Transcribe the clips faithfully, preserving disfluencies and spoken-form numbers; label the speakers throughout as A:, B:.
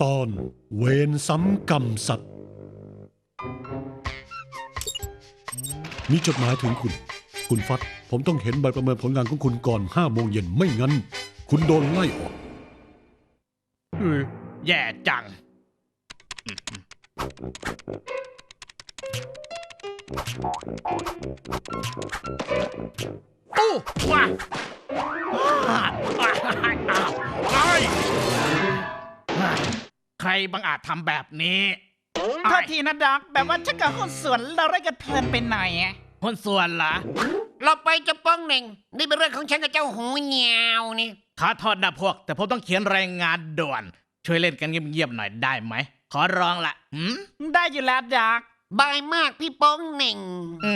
A: ตอนเวรซ้ำกรรมสัตว์มีจดหมายถึงคุณคุณฟัดผมต้องเห็นใบประเมินผลงานของคุณก่อนห้าโมงเย็นไม่งั้นคุณโดนไล่ออก
B: แย่จังโอ้ว้าใครบังอาจทำแบบนี้
C: โทษทีนะด็อกแบบว่าชักกับหุ้นส่วนเราได้กันเพลินไปหน่อยอะ
B: หุ้นส่วนเหรอ
D: เราไปจะป้องเหน่งนี่เป็นเรื่องของฉันกับเจ้าหูเหนียวนี่
B: ขอโทษนะพวกแต่ผมต้องเขียนรายงานด่วนช่วยเล่นกันเงียบๆหน่อยได้ไหมขอร้องละหืม
C: ได้อยู่แล้วด็อก
D: บายมากพี่ป้องเหน่ง
B: อืม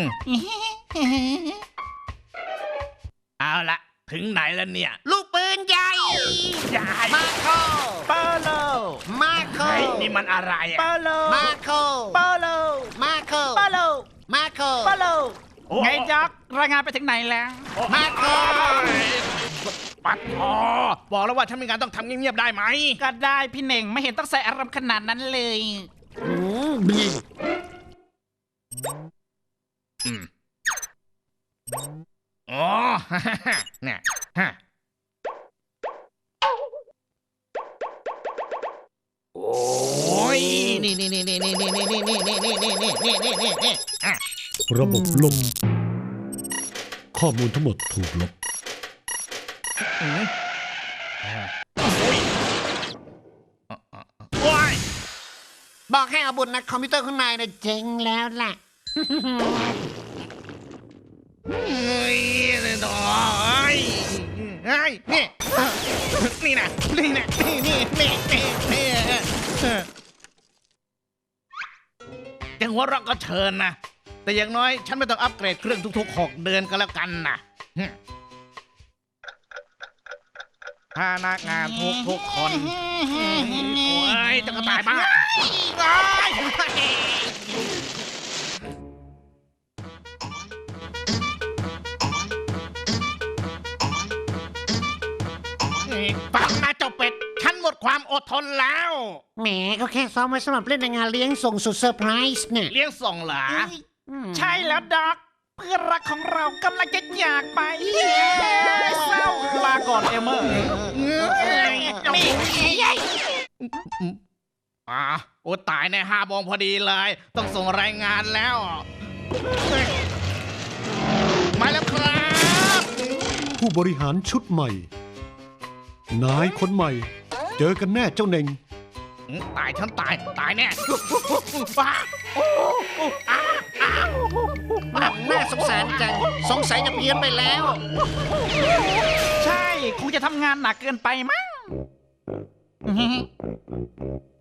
B: เอาละถึงไหนแล้วเนี่ย
D: ลูกปืนใหญ่
B: ใหญ่
D: มาโค
C: เปาโล
D: มาโค
B: นี่มันอะไรอะ
C: เปาโล
D: มาโค
C: เปาโล
D: มาโค
C: เปาโล
D: มาโค
C: เปาโลไงด็อกรายงานไปถึงไหนแล้ว
D: มาโค
B: ปัดพอบอกแล้วว่าฉันมีงานต้องทำเงียบๆได้ไหม
C: ก็ได้พี่เน่งไม่เห็นต้องใส่อารมณ์ขนาดนั้นเลย
D: อืมบี
B: อืมอ๋อเนี่ยฮะโอ้ยนี่นี่นี่นี่นี่นี่นี่นี่นี่นี่นี่นี่นี่นี่นี่นี่
A: ระบบล่มข้อมูลทั้งหมดถูกลบ
B: ว้าย
D: บอกให้เอาบุญนะคอมพิวเตอร์ข้างในนะเจ๋งแล้วล่ะ
B: เฮ้ยเลยต่อเฮ้ยนี่นี่นะนี่นะนี่นี่นี่นี่นี่จังหัวเราะก็เชิญนะแต่อย่างน้อยฉันไม่ต้องอัปเกรดเครื่องทุกๆหกเดือนก็แล้วกันนะพนักงานทุกทุกคนโอ้ยจะกระต่ายบ้าฟังนะเจ้าเป็ดฉันหมดความอดทนแล้ว
D: แหมเขาแค่ซ้อมไว้สำหรับเล่นในงานเลี้ยงส่งสุดเซอร์ไพรส์เนี่ย
B: เลี้ยงส่งเหรอ
C: ใช่แล้วด็อกเพื่อนรักของเรากำลังจะจากไปเศร้าลาก่อนเอเมอร์
B: อ่าโอ้ตายในห้าโมงพอดีเลยต้องส่งรายงานแล้วมาแล้วครับ
A: ผู้บริหารชุดใหม่นายคนใหม่เจอกันแน่เจ้าเน่ง
B: ตายฉันตายตายแน่
D: น่าสงสารจังสงสัยจะเพี้ยนไปแล้ว
C: ใช่คงจะทำงานหนักเกินไปมั้ง